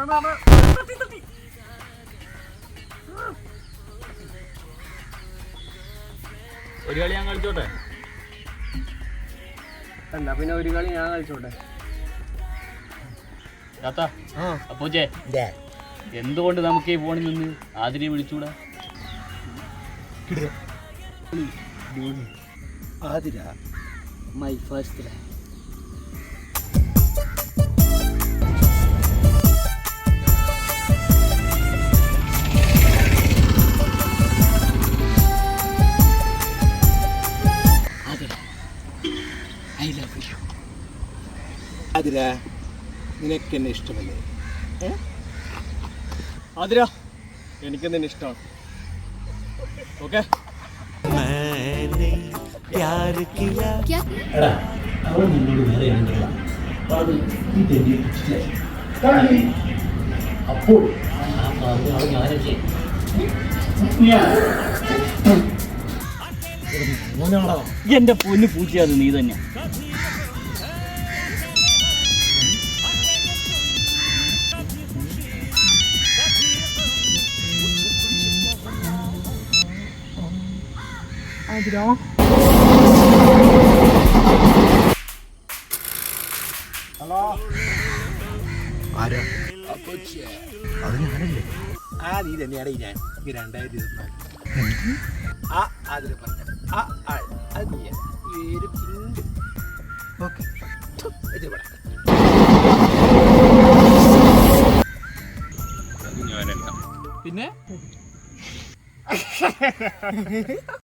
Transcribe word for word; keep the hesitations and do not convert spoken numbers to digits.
ഒരു കളി ഞാൻ കളിച്ചോട്ടെ? എന്നാ പിന്നെ ഒരു കളി ഞാൻ കളിച്ചോട്ടെ. അപ്പൂച്ചേ, എന്തുകൊണ്ട് നമുക്ക് ഈ ഫോണിൽ നിന്ന് ആതിരെ വിളിച്ചൂടാ? Athira my first life. Athira, നിനക്ക് എന്നെ ഇഷ്ടമല്ലേ? ആതിര, എനിക്ക് നിന്നെ ഇഷ്ടമാണ്. ഓക്കെ. അപ്പോൾ എന്റെ പൊന്നു പൂച്ചയത് നീ തന്നെ. ഹലോ, ആരാ? അത് ഞാനല്ലേ? ആ നീ തന്നെയാണ് ഞാൻ. ഈ രണ്ടായിരത്തി ഇരുപത്തിനാല് ആ അതിൽ പറഞ്ഞ ആ ആൾ അത് നീ പേര് പിണ്ട്. ഓക്കെ, ഞാനല്ല പിന്നെ